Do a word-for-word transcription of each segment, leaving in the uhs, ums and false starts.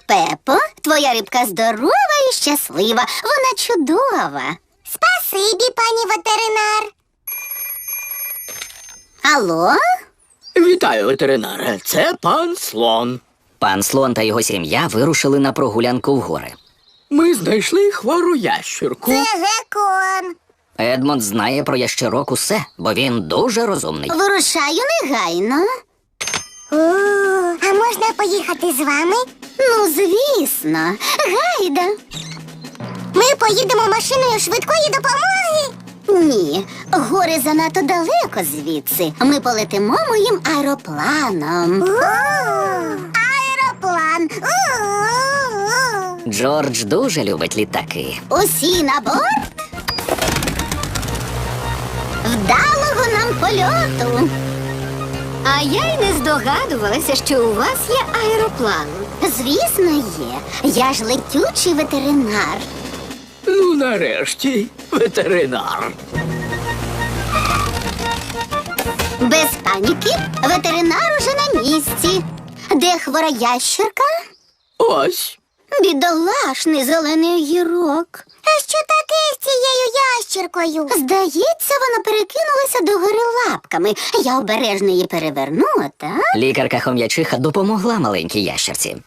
Пепо, твоя рибка здорова і щаслива. Вона чудова. Спасибі, пані ветеринар. Алло? Вітаю, ветеринаре. Це пан Слон. Пан Слон та його сім'я вирушили на прогулянку в гори. Ми знайшли хвору ящірку. Це геккон. Едмонд знає про ящерок усе, бо він дуже розумний. Вирушаю негайно. О, а можна поїхати з вами? Ну, звісно. Гайда. Ми поїдемо машиною швидкої допомоги. Ні, гори занадто далеко звідси. Ми полетимо моїм аеропланом. О, аероплан. У-у-у. Джордж дуже любить літаки. Усі на борт. Вдалого нам польоту. А я й не здогадувалася, що у вас є аероплан. Звісно, є. Я ж летючий ветеринар. Ну, нарешті, ветеринар. Без паніки, ветеринар уже на місці. Де хвора ящерка? Ось. Бідолашний зелений огірок. А що таке з цією ящіркою? Здається, вона перекинулася до гори лапками. Я обережно її перевернула, так? Лікарка-хом'ячиха допомогла маленькій ящерці.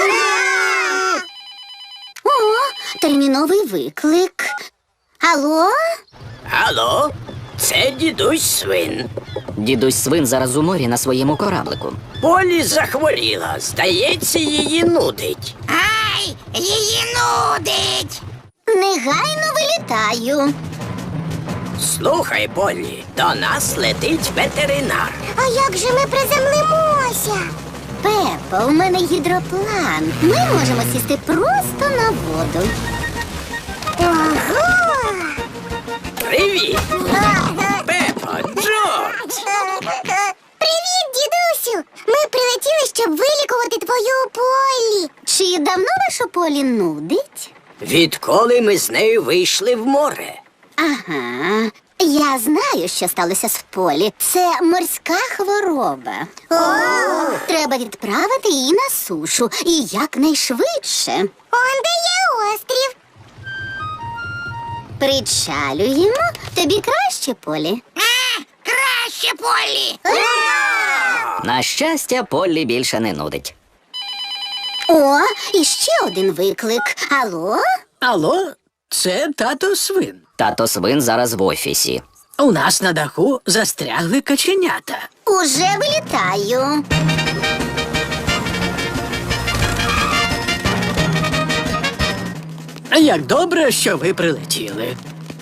О, терміновий виклик. Алло? Алло, це дідусь Свин. Дідусь Свин зараз у морі на своєму кораблику. Полі захворіла. Здається, її нудить. Ай, її нудить. Негайно вилітаю. Слухай, Полі, до нас летить ветеринар. А як же ми приземлимося? Пепо, у мене гідроплан. Ми можемо сісти просто на воду. Ого! Привіт! Пепо, Джордж! Привіт, дідусю! Ми прилетіли, щоб вилікувати твою Полі. Чи давно вашу Полі нудить? Відколи ми з нею вийшли в море? Ага. Я знаю, що сталося з Полі. Це морська хвороба. О! Треба відправити її на сушу. І якнайшвидше. Он де є острів. Причалюємо. Тобі краще, Полі? А, краще, Полі! На щастя, Поллі більше не нудить. О, і ще один виклик. Алло? Алло, це тато Свин. Тато Свин зараз в офісі. У нас на даху застрягли каченята. Уже вилітаю. Як добре, що ви прилетіли.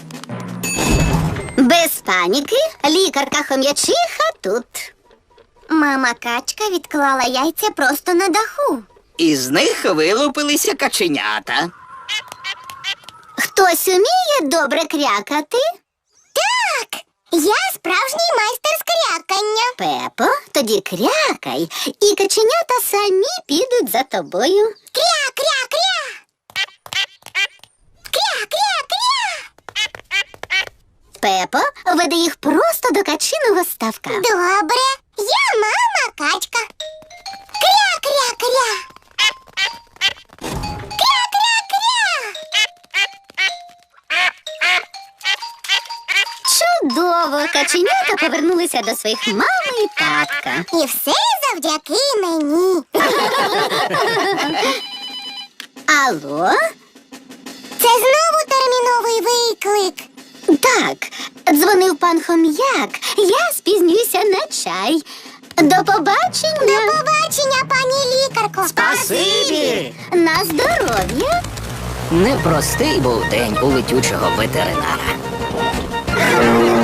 Без паніки, лікарка-хом'ячиха тут. Мама качка відклала яйця просто на даху. Із них вилупилися каченята. Хтось уміє добре крякати? Так, я справжній майстер з крякання. Пепо, тоді крякай, і каченята самі підуть за тобою. Кря-кря-кря! Кря-кря-кря! Пепо, веди їх просто до качиного ставка. Добре, я мама качка. Кря-кря-кря! Кря-кря-кря! Чудово! Каченята повернулися до своїх мами і татка. І все завдяки мені. Алло? Це знову терміновий виклик. Так, дзвонив пан Хом'як. Я спізнююся на чай. До побачення. До побачення, пані лікарко. Спасибі! На здоров'я. Непростий був день у летючого ветеринара.